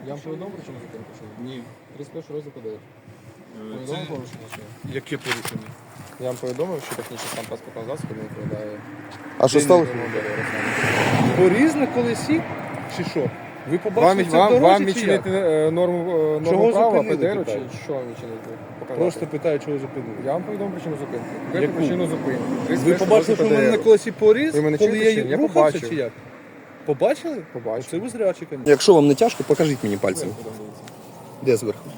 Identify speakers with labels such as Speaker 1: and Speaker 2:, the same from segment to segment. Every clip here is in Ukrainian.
Speaker 1: Я вам повідомив причину зупинки?
Speaker 2: Ні.
Speaker 1: 31 розділ ПДР. Повідомив порушення? Чи ні?
Speaker 2: Яке порушення?
Speaker 1: Я вам повідомив, що технічний стан транспортного засобу не відповідає.
Speaker 3: А що стало?
Speaker 2: Поріз на колесі? Чи що? Ви
Speaker 1: Вам,
Speaker 2: побачили це в
Speaker 1: вам,
Speaker 2: дорозі,
Speaker 1: вам
Speaker 2: чи
Speaker 1: відчинити
Speaker 2: як?
Speaker 1: норму
Speaker 2: Чого
Speaker 1: права
Speaker 2: зупинили,
Speaker 1: ПДР, чи
Speaker 2: питаю?
Speaker 1: що вам відчинити? Показати?
Speaker 2: Просто питаю, чого зупинили.
Speaker 1: Я вам повідомив причину зупинки.
Speaker 2: Яку?
Speaker 1: Яку причину зупинки?
Speaker 2: Ви
Speaker 1: 31
Speaker 2: побачили, що в мене на
Speaker 1: ПДР.
Speaker 2: колесі поріз,
Speaker 1: Ви мене
Speaker 2: коли
Speaker 1: чуєте, чи
Speaker 2: я
Speaker 1: ні? Я
Speaker 2: рухався,
Speaker 1: побачив.
Speaker 2: чи як? Побачили?
Speaker 1: Побачив.
Speaker 2: Це ви зрячі, звісно.
Speaker 3: Якщо вам не тяжко, покажіть мені пальцем. Де зверху?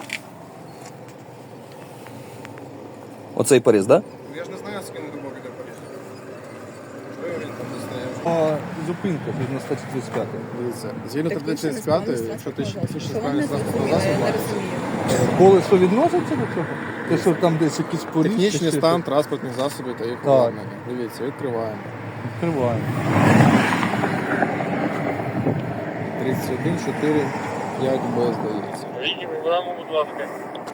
Speaker 3: Оцей поріз, так? Да?
Speaker 1: Я ж не знаю, з ким не мог іде поріз. Що він там не знає?
Speaker 2: А зупинка на статті 35.
Speaker 1: Дивіться, згідно статті 35, якщо ти технічно
Speaker 4: Що вам
Speaker 1: справний
Speaker 4: не
Speaker 1: транспортного
Speaker 4: зрозуміло,
Speaker 1: засобу,
Speaker 4: я не розумію.
Speaker 2: Колесо відноситься до цього? Те, що там десь якісь поріз?
Speaker 1: технічний
Speaker 2: чи
Speaker 1: стан
Speaker 2: що?
Speaker 1: транспортних засобів та їх
Speaker 2: Так.
Speaker 1: обладнання. Дивіться, відкриваємо.
Speaker 2: Відкриваємо.
Speaker 1: 31, 4, 5 Б, здається.
Speaker 5: Вийдіть, будь ласка.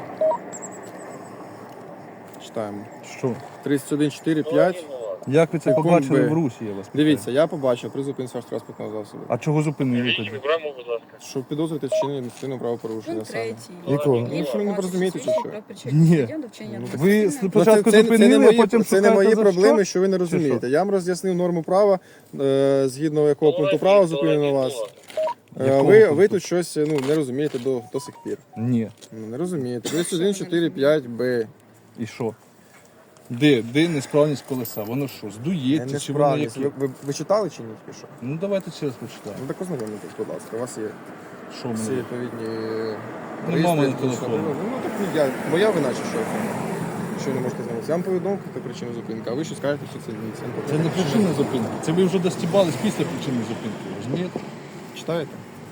Speaker 1: Читаємо.
Speaker 2: Що?
Speaker 1: 31, 4, 5.
Speaker 2: Як ви це
Speaker 1: Секунд
Speaker 2: побачили
Speaker 1: Б.
Speaker 2: в русі, я вас питаю?
Speaker 1: Дивіться, я побачив при зупинці вашого транспортного засобу.
Speaker 2: А чого зупинили
Speaker 5: Вийдіть,
Speaker 2: тоді?
Speaker 5: будь ласка.
Speaker 1: Що підозрюєте вчинення адміністративного правопорушення
Speaker 4: Пункт
Speaker 1: саме.
Speaker 4: 3.
Speaker 3: Якого?
Speaker 1: Ну, що ви не порозумієте, чи що?
Speaker 2: Ні. Ви
Speaker 1: Ну,
Speaker 2: спочатку
Speaker 1: це
Speaker 2: зупинили,
Speaker 1: не
Speaker 2: а потім
Speaker 1: це не
Speaker 2: шукаєте
Speaker 1: мої
Speaker 2: за
Speaker 1: проблеми,
Speaker 2: що?
Speaker 1: що ви не розумієте. Я вам роз'яснив норму права, згідно якого пункту права зупинено вас.
Speaker 2: Якого
Speaker 1: Ви
Speaker 2: пункту?
Speaker 1: тут щось не розумієте до сих пір.
Speaker 2: Ні.
Speaker 1: Не розумієте. 31, 4, 5 Б.
Speaker 2: І що? Де несправність колеса? Воно що, здується? Чи воно
Speaker 1: Несправність.
Speaker 2: яке?
Speaker 1: Ви читали чи ні? Тільки що?
Speaker 2: Ну давайте ще раз почитаємо.
Speaker 1: Ну так ознайомитесь, будь ласка. У вас є
Speaker 2: Що
Speaker 1: всі
Speaker 2: ми?
Speaker 1: відповідні
Speaker 2: Нема в мене
Speaker 1: реєстри,
Speaker 2: телефону.
Speaker 1: Ну так моя вина чи що? Що ви не можете знати? Я вам повідомив про причину зупинки, а ви що скажете, що це ні.
Speaker 2: Це не причина зупинки. Це ви вже достібались після причини зупинки. Розумієте?
Speaker 1: Читаєте?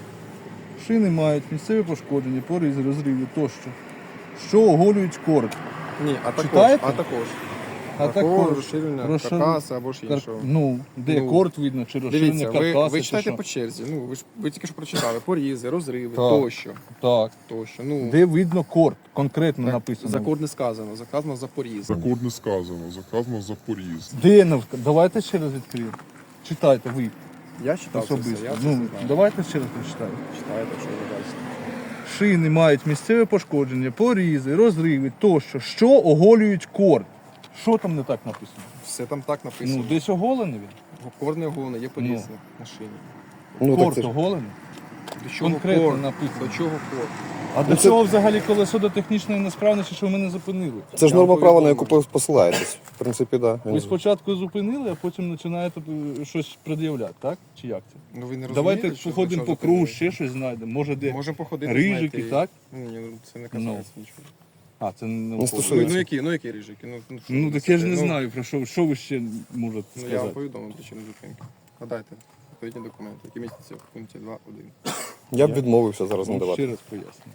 Speaker 2: Шини мають місцеві пошкодження, поризи, розриви тощо. Що оголюють корд.
Speaker 1: Ні, а також.
Speaker 2: Читаєте?
Speaker 1: А також.
Speaker 2: А
Speaker 1: також розширення
Speaker 2: розшир-
Speaker 1: каркаса або ж іншого.
Speaker 2: Ну, де
Speaker 1: Ну,
Speaker 2: корд видно, чи розширення
Speaker 1: Дивіться,
Speaker 2: каркаса,
Speaker 1: ви
Speaker 2: чи
Speaker 1: читайте
Speaker 2: що?
Speaker 1: по черзі. Ну, ви тільки що прочитали. Порізи, розриви,
Speaker 2: Так.
Speaker 1: тощо.
Speaker 2: Так.
Speaker 1: Тощо. Ну,
Speaker 2: Де видно корд, конкретно
Speaker 1: так,
Speaker 2: написано.
Speaker 1: за код не сказано, сказано за поріз.
Speaker 6: Закон не сказано, заказано за поріз.
Speaker 2: Де давайте ще раз відкриємо. Читайте ви
Speaker 1: Я читав це все,
Speaker 2: особисто.
Speaker 1: я це
Speaker 2: Ну,
Speaker 1: все знаю.
Speaker 2: давайте ще раз прочитаємо.
Speaker 1: Читаєте, що ви бачите.
Speaker 2: Шини мають місцеве пошкодження, порізи, розриви тощо, що оголюють корд. Що там не так написано?
Speaker 1: Все там так написано.
Speaker 2: Ну, десь оголений він.
Speaker 1: Корд не оголений, є поріз на шині.
Speaker 3: Ну, так
Speaker 2: Корд
Speaker 3: це ж.
Speaker 2: оголений.
Speaker 1: До чого
Speaker 2: Конкретно
Speaker 1: корд?
Speaker 2: написано.
Speaker 1: До чого корд?
Speaker 2: А до чого взагалі колесо до технічної несправності, що ви мене зупинили?
Speaker 3: Це ж
Speaker 1: Я вам
Speaker 3: норма права, на яку
Speaker 1: повідомив.
Speaker 3: посилаєтесь. В принципі, так.
Speaker 2: Ви спочатку зупинили, а потім починаєте щось пред'являти, так? Чи як це?
Speaker 1: Ну, ви не
Speaker 2: Давайте
Speaker 1: розумієте, що-
Speaker 2: походимо
Speaker 1: що
Speaker 2: по кругу,
Speaker 1: зупинили?
Speaker 2: ще щось знайдемо. Може, де
Speaker 1: Можемо походити.
Speaker 2: рижики,
Speaker 1: знаєте,
Speaker 2: так?
Speaker 1: Ні, ну, це не касається нічого.
Speaker 2: А, це не
Speaker 3: Не стосується.
Speaker 1: Ну які рижики? Ну, що
Speaker 2: Ну
Speaker 1: ви
Speaker 2: так я ж не
Speaker 1: несете?
Speaker 2: знаю, про що ви ще можете
Speaker 1: Ну, я вам
Speaker 2: сказати.
Speaker 1: повідомив причину зупинки. Надайте відповідні документи, які містяться в пункті 2.1.
Speaker 3: Я б відмовився зараз
Speaker 2: Ну, ще
Speaker 3: надавати.
Speaker 2: раз поясню.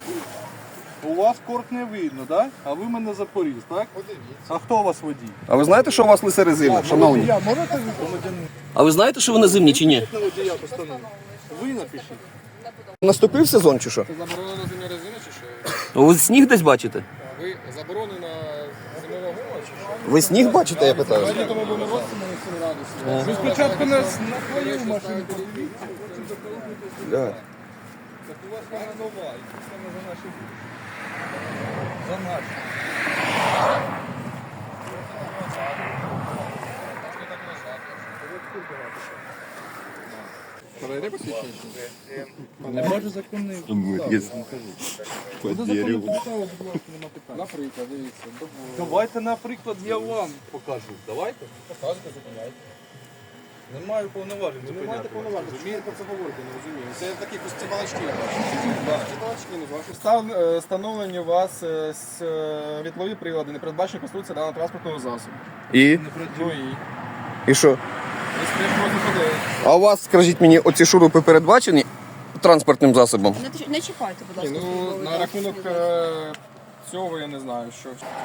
Speaker 2: У вас корт не видно, так? А ви мене запоріз, так? А хто у вас водій?
Speaker 3: А ви знаєте, що у вас лисе резина, шановні?
Speaker 2: Водія можете ви громадянин?
Speaker 3: А ви знаєте, що вони зимні чи ні?
Speaker 2: На водія постанову. Ви напишіть.
Speaker 3: Наступив сезон чи що?
Speaker 1: Це заборонено зимня резина чи що?
Speaker 3: Ви сніг десь бачите?
Speaker 1: Ви заборонена зимова гума чи що?
Speaker 3: Ви сніг бачите, я питаю?
Speaker 1: Давайте тому будемо році на 7 градусів.
Speaker 2: Ви спочатку нас на твою машину подивіться.
Speaker 3: Да.
Speaker 2: Так у вас вона нова, і це саме за наші гроші. За наші.
Speaker 1: Перейде посвідчення?
Speaker 2: Не може законний. Буде законний підстави, будь ласка, нема питань.
Speaker 1: Наприклад, дивіться.
Speaker 2: Давайте, наприклад, я вам покажу. Давайте.
Speaker 1: Показуйте, зупиняйте.
Speaker 2: Не маю повноважень.
Speaker 1: Ви не маєте
Speaker 2: зупиняти.
Speaker 1: повноважень, що ви про це говорите, не розумію. Це такі ці балачки, я бачу. Ці балачки, ну, ваші встановлені у вас світлові прилади, не передбачені конструкція даного транспортного засобу.
Speaker 3: І?
Speaker 1: Ну і?
Speaker 3: І що?
Speaker 1: Ви стоїш проти ходили.
Speaker 3: А у вас, скажіть мені, оці шурупи передбачені транспортним засобом?
Speaker 4: Не чіпайте, будь
Speaker 1: Ні,
Speaker 4: ласка.
Speaker 1: ну,
Speaker 4: службовий
Speaker 1: на
Speaker 4: засіб.
Speaker 1: рахунок цього я не знаю, що.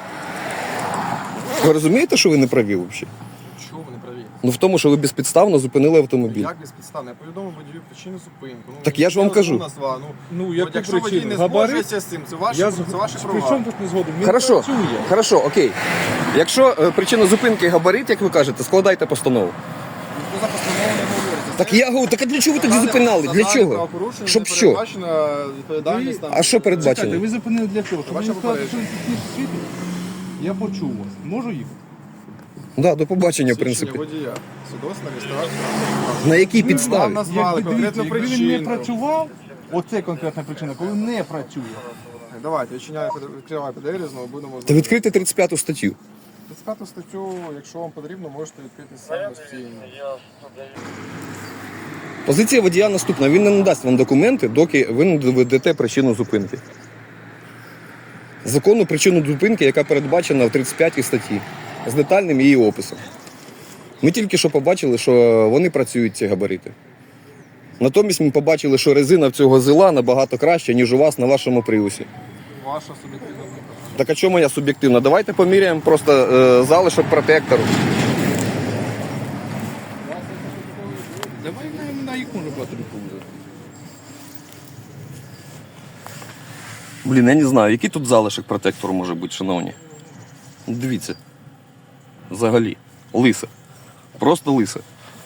Speaker 3: Ви розумієте, що ви не праві взагалі?
Speaker 1: Чого ви не праві?
Speaker 3: Ну в тому, що ви безпідставно зупинили автомобіль.
Speaker 1: Як безпідставно? Я повідомив водію причину зупинку. Ну,
Speaker 3: Так я ж вам кажу.
Speaker 1: Назва.
Speaker 2: Ну,
Speaker 1: От
Speaker 2: яку
Speaker 1: якщо водій
Speaker 2: причину?
Speaker 1: не
Speaker 2: Габарит?
Speaker 1: згоджується з цим, це ваші,
Speaker 2: Я
Speaker 1: це ваші
Speaker 2: При чому
Speaker 1: права.
Speaker 2: тут не згодом? Він
Speaker 3: Хорошо,
Speaker 2: працює.
Speaker 3: хорошо, окей. Якщо причина зупинки габарит, як ви кажете, складайте постанову.
Speaker 1: Ніхто за постанову не говорить.
Speaker 3: Так я говорю, так а для чого ви тоді зупинали? Для чого? Щоб що?
Speaker 1: Передбачена відповідальність там.
Speaker 3: А що
Speaker 2: Чекайте,
Speaker 3: передбачено?
Speaker 2: ви зупинили для чого? Щоб
Speaker 1: Ваше
Speaker 2: мені сказати, що
Speaker 1: попередження.
Speaker 2: ви тут світить? Я почув вас. Можу їхати?
Speaker 3: Да, до побачення, в
Speaker 1: Свідчення
Speaker 3: принципі.
Speaker 1: водія. Свідоцтво, реєстрація.
Speaker 3: На якій
Speaker 1: Вам
Speaker 3: підставі?
Speaker 1: назвали
Speaker 2: Якби,
Speaker 1: конкретну
Speaker 2: дивіться, якби він не
Speaker 1: причину.
Speaker 2: працював, оце конкретна причина, коли не працює.
Speaker 1: Давайте, відкривай ПДР, знову будемо...
Speaker 3: Та відкрити 35 статтю.
Speaker 1: 35 статтю, якщо вам потрібно, можете відкрити самостійно.
Speaker 3: Позиція водія наступна. Він не надасть вам документи, доки ви не доведете причину зупинки. Законну причину зупинки, яка передбачена в 35 статті, з детальним її описом. Ми тільки що побачили, що вони працюють, ці габарити. Натомість ми побачили, що резина в цього зила набагато краща, ніж у вас на вашому приусі.
Speaker 1: Ваша суб'єктивна думка.
Speaker 3: Так а чому моя суб'єктивна? Давайте поміряємо просто залишок протектору.
Speaker 2: Давай на їх може платити повезти.
Speaker 3: Блін, я не знаю, який тут залишок протектору може бути, шановні. Дивіться. Взагалі. Лисе. Просто лисе.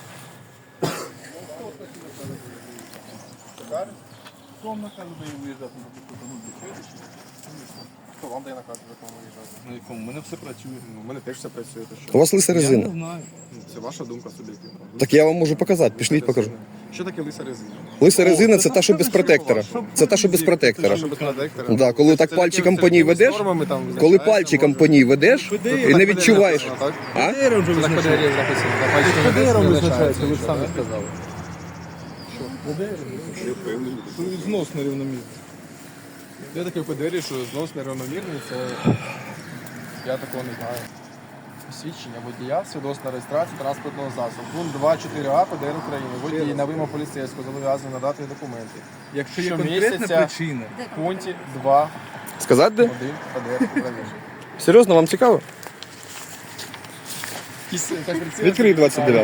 Speaker 2: Хто вам наказ дає виїжджати на таку?
Speaker 1: Хто вам дає наказ, в якому виїжджати?
Speaker 2: На якому? У мене все працює.
Speaker 1: У мене теж все працює, то
Speaker 3: У
Speaker 1: що?
Speaker 3: вас лиса
Speaker 2: Я не
Speaker 3: резина.
Speaker 2: знаю.
Speaker 1: Це ваша думка суб'єктивна.
Speaker 3: Так я вам можу показати, пішліть покажу.
Speaker 1: Що таке лиса резина?
Speaker 3: Лиса резина це та, що без протектора. Це та, що без протектора.
Speaker 1: Що без протектора?
Speaker 3: Да, коли так пальчиком по ній ведеш, коли пальчиком по ній ведеш і не відчуваєш. А?
Speaker 2: ПДР вже
Speaker 1: Так ПДР
Speaker 2: визначається.
Speaker 1: написано. на пальчику
Speaker 2: ПДР
Speaker 1: не
Speaker 2: визначається, ви ж
Speaker 1: що,
Speaker 2: самі
Speaker 1: да?
Speaker 2: сказали. Що знос нерівномірний.
Speaker 1: Є таке в ПДР, що знос нерівномірний, це я такого не знаю. Свідчення водія, свідоцтва реєстрації транспортного засобу. Пункт 2.4а ПДР України. Водій на вимогу поліцейського зобов'язаний надати документи.
Speaker 2: Якщо є
Speaker 1: Щомісяця
Speaker 2: конкретна причина,
Speaker 1: в пункті 2.1
Speaker 3: Сказати де?
Speaker 1: ПДР України.
Speaker 3: Серйозно, вам цікаво? Відкрий 29.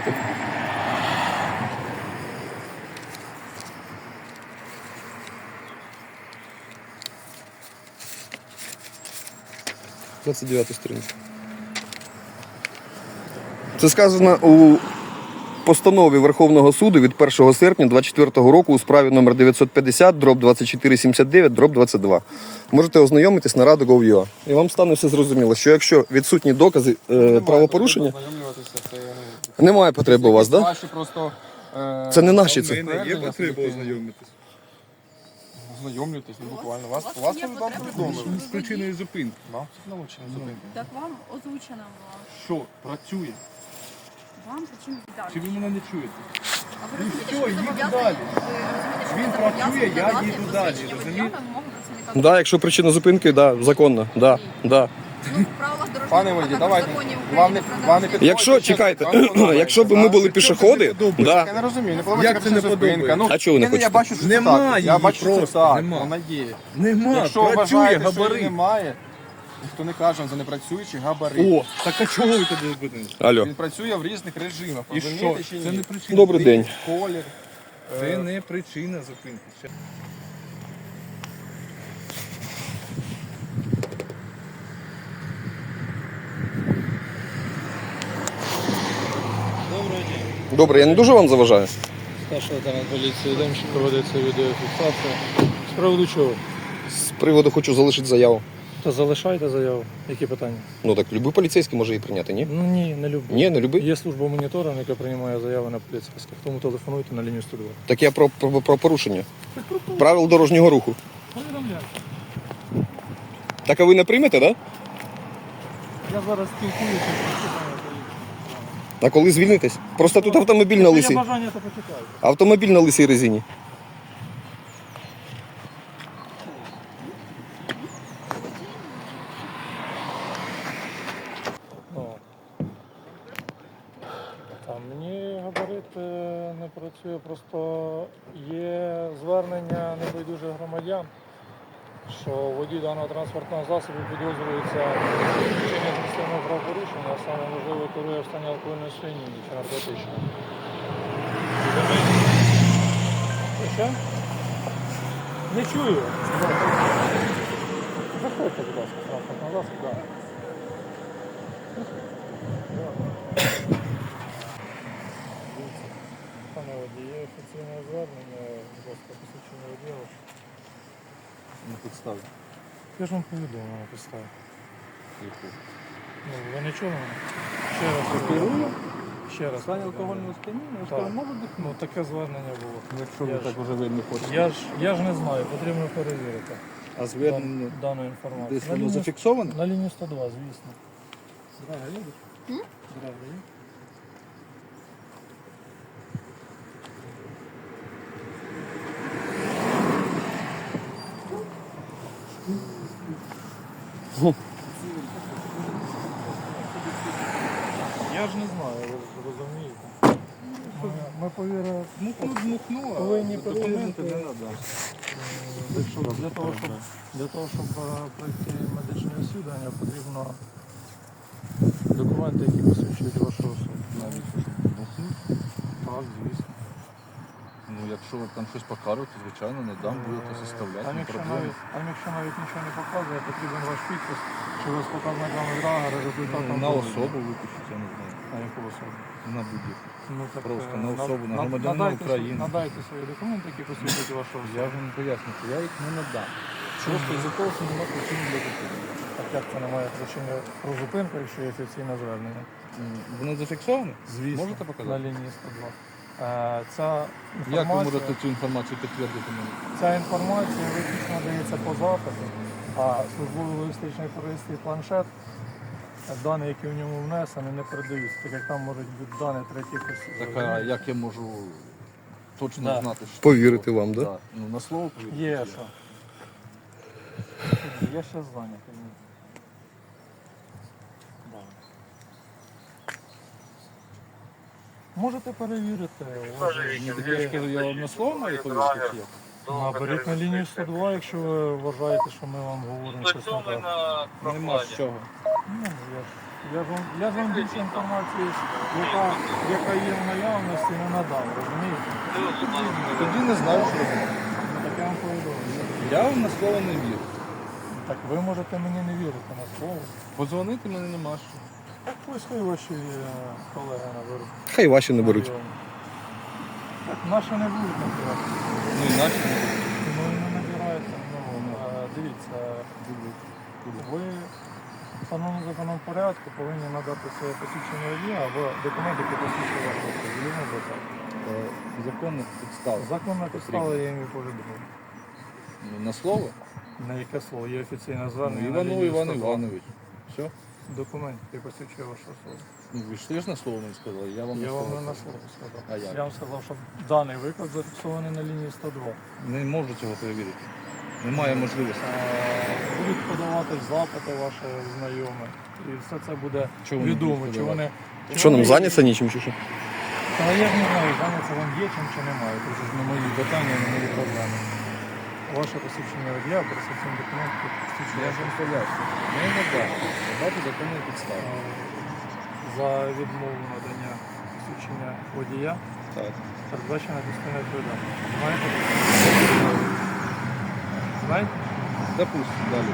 Speaker 3: Сторінка. Це сказано у постанові Верховного суду від 1 серпня 2024 року у справі номер 950/2479/22. Можете ознайомитись на Rado.gov.ua. І вам стане все зрозуміло, що якщо відсутні докази правопорушення, немає потреби у вас, так? Да?
Speaker 1: Ваші просто...
Speaker 3: Це не наші це.
Speaker 2: є потреба ознайомитися
Speaker 1: Ознайомлюйтесь, ну буквально. Вас вам повідомили.
Speaker 2: з причиною зупинки.
Speaker 1: Вам научено зупинити.
Speaker 4: Так вам озвучено була.
Speaker 2: Що працює?
Speaker 4: Вам причину
Speaker 2: Чи ви мене не чуєте?
Speaker 4: А ви розумієте,
Speaker 2: все,
Speaker 4: що ви
Speaker 2: їду
Speaker 4: зобов'язані?
Speaker 2: далі.
Speaker 4: Ви розумієте, що
Speaker 2: Він
Speaker 4: ви зобов'язані
Speaker 2: працює, я
Speaker 4: надати
Speaker 2: їду далі,
Speaker 4: посвідчення водія
Speaker 2: розумієте?
Speaker 4: на вимогу працівника
Speaker 3: Да, якщо причина зупинки, да, законно. Да, да.
Speaker 4: Ну, в правилах дорожнього
Speaker 1: Пане
Speaker 4: руху,
Speaker 1: водій,
Speaker 4: також
Speaker 1: давайте.
Speaker 4: законів
Speaker 1: Вам не
Speaker 4: України про
Speaker 1: вам не
Speaker 4: дорожній рух.
Speaker 3: Якщо, чекайте, якщо б ми були пішоходи, да.
Speaker 1: Я не розумію, не
Speaker 2: Як
Speaker 1: подобається
Speaker 2: це не
Speaker 1: зупинка. Ну,
Speaker 3: А чого ви не
Speaker 1: я
Speaker 3: хочете?
Speaker 1: бачу, що
Speaker 2: Нема
Speaker 1: це так.
Speaker 2: її
Speaker 1: Я бачу, що
Speaker 2: просто,
Speaker 1: це так.
Speaker 2: нема.
Speaker 1: Вона є.
Speaker 2: Нема,
Speaker 1: Якщо
Speaker 2: працює
Speaker 1: вважаєте, що її
Speaker 2: габарит.
Speaker 1: немає, ніхто не каже вам за непрацюючий габарит.
Speaker 2: О, так а чого ви тоді зупинилися?
Speaker 3: Алло.
Speaker 1: Він працює в різних режимах.
Speaker 2: І що?
Speaker 1: Розумієте чи
Speaker 2: Це
Speaker 1: ні?
Speaker 2: не причина.
Speaker 3: Добрий день.
Speaker 1: Колір.
Speaker 2: Це не причина зупинки.
Speaker 3: Добре, я не дуже вам заважаю.
Speaker 5: Старший лейтенант поліції Демчик, проводиться відеофіксація. З приводу чого?
Speaker 3: З приводу хочу залишити заяву.
Speaker 5: Та залишайте заяву. Які питання?
Speaker 3: Ну так любий поліцейський може її прийняти, ні?
Speaker 5: Ну ні, не люблю.
Speaker 3: Ні, не любий.
Speaker 5: Є служба моніторингу, яка приймає заяви на поліцейських. Тому телефонуйте на лінію 102.
Speaker 3: Так я про порушення. Правил дорожнього руху.
Speaker 5: Повідомляйте.
Speaker 3: Так а ви не приймете, так? Да?
Speaker 5: Я зараз спілкуюся.
Speaker 3: А коли звільнитесь? Просто тут автомобіль на
Speaker 5: Є
Speaker 3: лисій.
Speaker 5: бажання, то почекаю.
Speaker 3: Автомобіль на лисій резині.
Speaker 5: Мені габарит не працює, просто є звернення небайдужих громадян, що водій даного транспортного засобу підозрюється в вчиненні адміністративного правопорушення, а саме можливо керує в стані алкогольної сп'яніння чи наркотичного. Що? Не чую. Заходьте, будь ласка, транспортного засобу, так. Пане водій, є офіційне звернення, будь ласка, посвідчення водія.
Speaker 2: На підставі.
Speaker 5: Я ж вам повідомив на підставі. Ну, ви не чули мене? Ще раз
Speaker 2: Керую?
Speaker 5: Ще раз.
Speaker 2: Стані алкогольного сп'яніння,
Speaker 5: Так.
Speaker 2: скажу, може бути.
Speaker 5: Ну, таке звернення було.
Speaker 2: Якщо
Speaker 5: Я
Speaker 2: ви
Speaker 5: ж-
Speaker 2: так уже видно хочете.
Speaker 5: Я ж не знаю, потрібно перевірити
Speaker 2: А звернення
Speaker 5: дану інформацію.
Speaker 2: десь воно зафіксоване?
Speaker 5: На лінії 102, звісно.
Speaker 2: Драга їдеш? Драга є?
Speaker 5: Я ж не знаю, ви розумієте. Ми повірили.
Speaker 2: Дмухну,
Speaker 5: Повинні
Speaker 2: документи не
Speaker 5: перевірити.
Speaker 2: треба.
Speaker 5: Для того, щоб пройти медичне освідування, потрібно документи, які посвідчують вашу особу.
Speaker 2: Навіть дмухну.
Speaker 5: Так, звісно.
Speaker 2: Ну, якщо ви там щось покажете, звичайно, не дам, будете составляти,
Speaker 5: Там
Speaker 2: не
Speaker 5: якщо,
Speaker 2: проблема.
Speaker 5: якщо навіть нічого не показує, потрібен ваш підпис, що ви з показниками драгера, результатом
Speaker 2: На
Speaker 5: догляду.
Speaker 2: особу випишіть, я не знаю.
Speaker 5: На яку особу?
Speaker 2: На будь-яку.
Speaker 5: Ну, так,
Speaker 2: Просто
Speaker 5: е,
Speaker 2: на особу, на громадянина
Speaker 5: надайте
Speaker 2: України.
Speaker 5: Надайте свої документи, які посвідчують вашу
Speaker 2: Я
Speaker 5: особу.
Speaker 2: ж вам поясню, що я їх не надам. Просто із-за того, що немає причини для зупинки.
Speaker 5: Так як це немає причини про зупинку, якщо є офіційне звернення?
Speaker 2: Воно зафіксоване?
Speaker 5: Звісно.
Speaker 2: Можете
Speaker 5: На
Speaker 2: показати?
Speaker 5: лінії 102. Ця
Speaker 2: Як ви
Speaker 5: інформація,
Speaker 2: можете цю інформацію підтвердити мені?
Speaker 5: ця інформація виключно дається по запиту, а службовий логістичний пристрій планшет, дані, які в ньому внесені, не передаються, так як там можуть бути дані третіх осіб.
Speaker 2: Так, а як я можу точно
Speaker 5: Да.
Speaker 2: знати, що...
Speaker 3: Повірити вам, да?
Speaker 2: Ну, на слово повірити.
Speaker 5: Є що. Я ще зайнятий. Да. Можете перевірити.
Speaker 2: Ну, так я ж кажу, я вам на слово маю повірити, чи як?
Speaker 5: Наберіть на лінію 102, якщо ви вважаєте, що ми вам говоримо щось не так.
Speaker 2: Нема з чого.
Speaker 5: Ну, я ж вам більше інформації, яка є в наявності, не надав, розумієте?
Speaker 2: Тоді не знаю, що робити.
Speaker 5: Ну, так я вам повідомлю.
Speaker 2: Я вам на слово не вірю.
Speaker 5: Так ви можете мені не вірити на слово.
Speaker 2: Подзвонити мене нема що.
Speaker 5: Так ось хай ваші колеги наберуть.
Speaker 3: Хай ваші не беруть.
Speaker 5: Так, наші не будуть набирати.
Speaker 2: Ну і наші не будуть.
Speaker 5: Ну і не набираєте. Дивіться, ви в встановленому законом порядку повинні надати своє посвідчення водія або документи, які посвідчують вашу особу.
Speaker 2: Законна підстава.
Speaker 5: Законна підстава, я їм і повідомив.
Speaker 2: Ну, на слово?
Speaker 5: На яке слово? Є офіційне
Speaker 2: Ну,
Speaker 5: звернення. на
Speaker 2: Іванов
Speaker 5: лінію
Speaker 2: Іван
Speaker 5: 102.
Speaker 2: Іванович. Все?
Speaker 5: Документ, який посвідчує вашу особу.
Speaker 2: Ну, ви ж теж на слово мені сказали, я вам
Speaker 5: Я
Speaker 2: на
Speaker 5: вам
Speaker 2: слово
Speaker 5: не на
Speaker 2: сказав.
Speaker 5: слово сказав.
Speaker 2: А як?
Speaker 5: Я вам сказав, що даний виклик зафіксований на лінії 102.
Speaker 2: Не можу цього перевірити. Немає можливості.
Speaker 5: Будуть подавати запити ваші знайомі. І все це буде
Speaker 2: Чого вони
Speaker 5: відомо.
Speaker 2: будуть
Speaker 5: Чи вони,
Speaker 3: Що нам зайняться нічим чи що?
Speaker 5: Та я ж не знаю, зайняться вам є чим чи немає. Це ж не мої питання, не мої проблеми. Ваше посвідчення водія, пересвідчення документів,
Speaker 2: Я
Speaker 5: посвідчення
Speaker 2: ж вам поясню. Не надам. Багато законних підстав.
Speaker 5: за відмову надання посвідчення водія
Speaker 3: Так.
Speaker 5: передбачена частина відповідальності. Знаєте? Знаєте?
Speaker 2: Допустим, далі.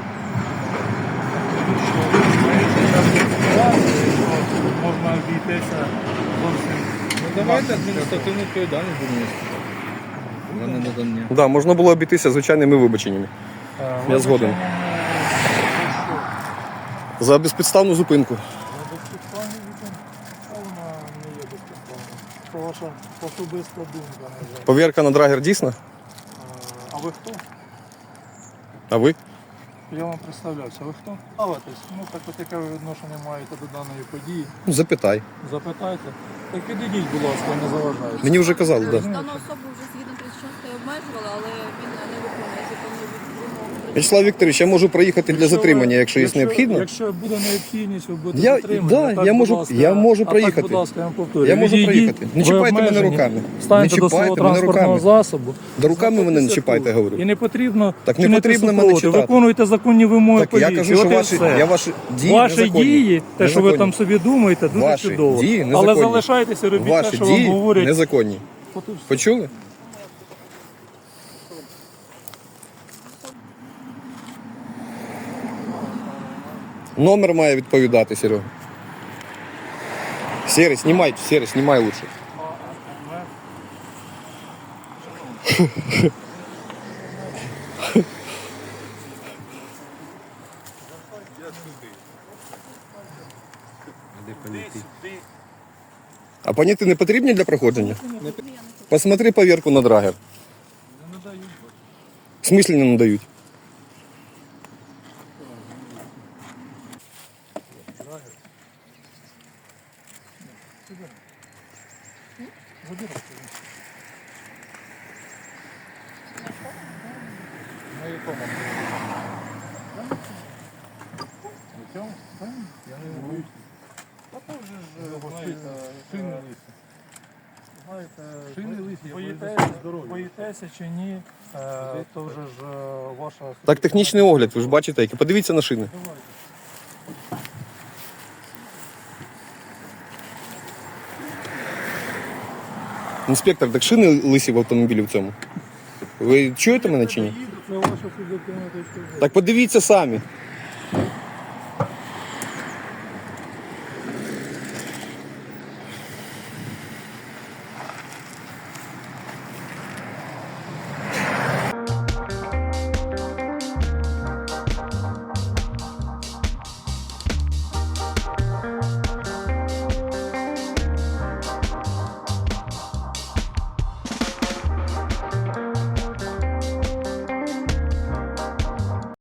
Speaker 5: Можна обійтися зовсім.
Speaker 2: Ну давайте адміністративну відповідальність будемо нести. За ненадання.
Speaker 3: Да, можна було обійтися звичайними вибаченнями. Я згоден. За безпідставну зупинку.
Speaker 5: Безпідставні вона не є безпідставною. Це ваша особиста думка, на жаль.
Speaker 3: Повірка на драгер дійсна?
Speaker 5: А ви хто?
Speaker 3: А ви?
Speaker 5: Я вам представлявся. Ви хто? Ставитесь. Ну так от яке ви відношення маєте до даної події?
Speaker 3: Ну, запитай.
Speaker 5: Запитайте. Так підійдіть, будь ласка, не заважайте.
Speaker 3: Мені вже казали, так. Да.
Speaker 4: Дану особу вже згідно 36 обмежували, але він не виконує законну вимогу.
Speaker 3: Вячеслав Вікторович, я можу проїхати для затримання, якщо є необхідно.
Speaker 5: Якщо буде необхідність, ви будете
Speaker 3: Я-
Speaker 5: затримані.
Speaker 3: да,
Speaker 5: а так,
Speaker 3: я
Speaker 5: будь
Speaker 3: можу-
Speaker 5: ласка,
Speaker 3: я можу
Speaker 5: а
Speaker 3: проїхати.
Speaker 5: Так, будь ласка, я вам повторюю.
Speaker 3: Я можу
Speaker 5: Відійдіть,
Speaker 3: проїхати. Не
Speaker 5: ви
Speaker 3: чіпайте мене
Speaker 5: обмежені.
Speaker 3: руками.
Speaker 5: Станьте
Speaker 3: Не
Speaker 5: до свого
Speaker 3: чіпайте мене
Speaker 5: транспортного
Speaker 3: руками.
Speaker 5: засобу.
Speaker 3: Да руками мене не
Speaker 5: знаходьтеся
Speaker 3: чіпайте,
Speaker 5: тут.
Speaker 3: говорю.
Speaker 5: І не потрібно
Speaker 3: Так не
Speaker 5: чинити
Speaker 3: потрібно мене
Speaker 5: супротив.
Speaker 3: чіпати.
Speaker 5: Виконуйте законні вимоги
Speaker 3: Так я
Speaker 5: поліції.
Speaker 3: кажу, що
Speaker 5: От і
Speaker 3: ваші,
Speaker 5: все.
Speaker 3: я ваші дії
Speaker 5: Ваші
Speaker 3: незаконні.
Speaker 5: дії, те, що ви
Speaker 3: Незаконні.
Speaker 5: там собі думаєте, дуже
Speaker 3: Ваші
Speaker 5: чудово.
Speaker 3: дії
Speaker 5: Але
Speaker 3: незаконні.
Speaker 5: залишайтеся, робіть те,
Speaker 3: Ваші
Speaker 5: що вам
Speaker 3: дії
Speaker 5: говорять.
Speaker 3: незаконні.
Speaker 5: От і все.
Speaker 3: Почули? Номер має відповідати, Серега. Серый, снимай лучше. А поняти не потрібні для проходження? Посмотри поверку на драгер. В смислі не надають?
Speaker 2: На якому? На цьому? Я не боюсь. А то вже ж шини лисі.
Speaker 5: Знаєте,
Speaker 2: Шини лисі, я
Speaker 5: боїтеся,
Speaker 2: здоров'я.
Speaker 5: боїтеся чи ні, то вже ж ваша...
Speaker 3: Так, технічний огляд, ви ж бачите, який. Подивіться на шини.
Speaker 5: Давайте.
Speaker 3: Інспектор, так шини лисі в автомобілі в цьому. Ви чуєте мене чи ні?
Speaker 5: Це ваша суб'єктивна точка зору.
Speaker 3: Так подивіться самі.